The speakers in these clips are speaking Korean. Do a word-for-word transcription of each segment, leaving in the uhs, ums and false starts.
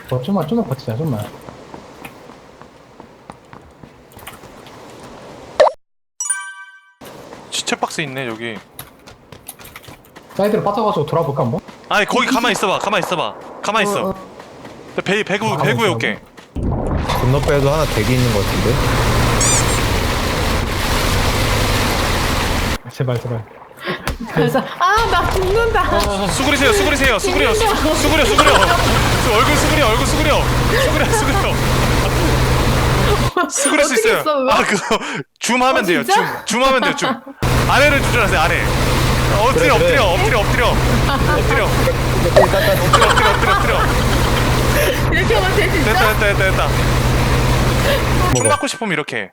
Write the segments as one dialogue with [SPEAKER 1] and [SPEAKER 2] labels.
[SPEAKER 1] 어, 좀만, 좀만 버티자, 좀만.
[SPEAKER 2] 시체 박스 있네 여기.
[SPEAKER 1] 사이드로 빠져가지고 돌아볼까, 한번?
[SPEAKER 2] 아니 거기 가만 있어봐. 가만 있어봐. 가만 있어.
[SPEAKER 3] 어, 어.
[SPEAKER 2] 나 배, 배구
[SPEAKER 1] 아,
[SPEAKER 2] 배구해
[SPEAKER 1] 가만
[SPEAKER 2] 올게.
[SPEAKER 4] 건너편에도 하나 대기 있는 것 같은데?
[SPEAKER 1] 제발, 제발.
[SPEAKER 3] 그래서 아나 죽는다.
[SPEAKER 2] 수그리세요. 수그리세요. 수그려. 수, 수그려. 수그려. 수, 얼굴 수그려. 얼굴 수그려. 수그려. 수그려. 수그릴 수
[SPEAKER 3] 어떻게
[SPEAKER 2] 있어요.
[SPEAKER 3] 했어, 그거?
[SPEAKER 2] 아 그거 줌하면
[SPEAKER 3] 어,
[SPEAKER 2] 돼요. 줌.
[SPEAKER 3] 진짜?
[SPEAKER 2] 줌하면 돼요. 줌. 아래를 조절하세요. 아래. 엎드려.
[SPEAKER 4] 그래, 그래.
[SPEAKER 2] 엎드려. 엎드려. 엎드려. 엎드려. 엎드려. 엎드려. 엎드려. 엎드려.
[SPEAKER 3] 이렇게 하면 돼 진짜?
[SPEAKER 2] 됐다. 됐다. 됐다. 됐다. 총
[SPEAKER 4] 먹어.
[SPEAKER 2] 맞고 싶으면 이렇게.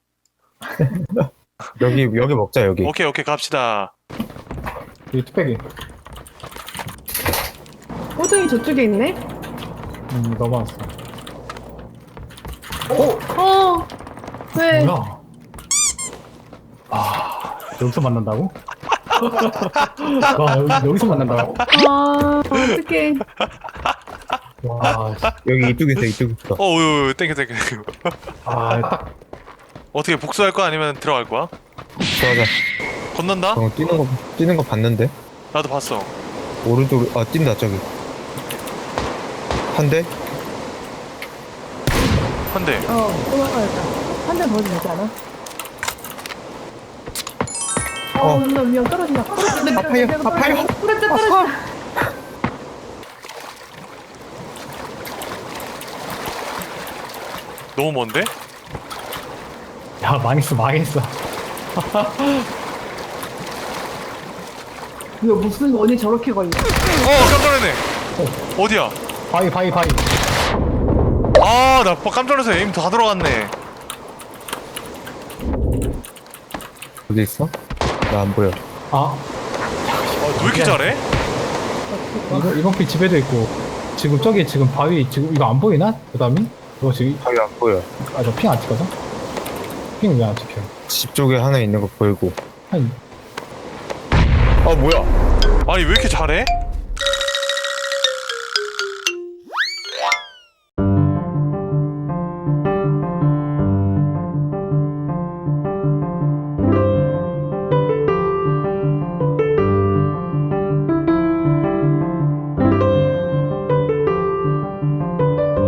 [SPEAKER 4] 여기 여기 먹자 여기.
[SPEAKER 2] 오케이 오케이 갑시다.
[SPEAKER 1] 이 뚝배기.
[SPEAKER 3] 호정이 저쪽에 있네.
[SPEAKER 1] 음, 넘어왔어.
[SPEAKER 3] 어. 왜?
[SPEAKER 1] 뭐야? 아, 여기서 만난다고? 와, 여기, 여기서 만난다고?
[SPEAKER 3] 아 어떡해.
[SPEAKER 1] 와, 씨.
[SPEAKER 4] 여기 이쪽에 있어 이쪽에 있어.
[SPEAKER 2] 어, 우 땡겨 땡겨.
[SPEAKER 1] 아, 딱.
[SPEAKER 2] 어떻게 복수할 거야 아니면 들어갈 거야?
[SPEAKER 4] 좋아자.
[SPEAKER 2] 건넌다?
[SPEAKER 4] 어 뛰는 거 뛰는 거 봤는데?
[SPEAKER 2] 나도 봤어.
[SPEAKER 4] 오른쪽 아 뛴다 저기. 한 대?
[SPEAKER 2] 한 대.
[SPEAKER 3] 어 도망가야겠다. 한 대 더 되지 않아? 어,
[SPEAKER 4] 어.
[SPEAKER 3] 나 위험 떨어진다. 떨어진다.
[SPEAKER 4] 아파요, 아파요.
[SPEAKER 3] 떨어진다, 떨어진다.
[SPEAKER 2] 너무 먼데?
[SPEAKER 1] 야, 망했어, 망했어.
[SPEAKER 3] 이거 무슨 원이 저렇게 걸려?
[SPEAKER 2] 어 깜짝 놀랐네. 어디야?
[SPEAKER 1] 바위, 바위, 바위.
[SPEAKER 2] 아나 깜짝 놀라서 에임 다 들어갔네.
[SPEAKER 4] 어디 있어? 나 안 보여.
[SPEAKER 1] 아,
[SPEAKER 2] 왜 이렇게 잘해?
[SPEAKER 1] 이거, 이번 피 집에도 있고. 지금 저기 지금 바위, 지금 이거 안 보이나? 그 다음이? 이거 지금,
[SPEAKER 4] 저기 안 보여.
[SPEAKER 1] 아, 저 핑 안 찍어서? 핑 왜 안 찍혀?
[SPEAKER 4] 집 쪽에 하나 있는 거 보이고.
[SPEAKER 1] 한,
[SPEAKER 4] 아 뭐야?
[SPEAKER 2] 아니 왜 이렇게 잘해?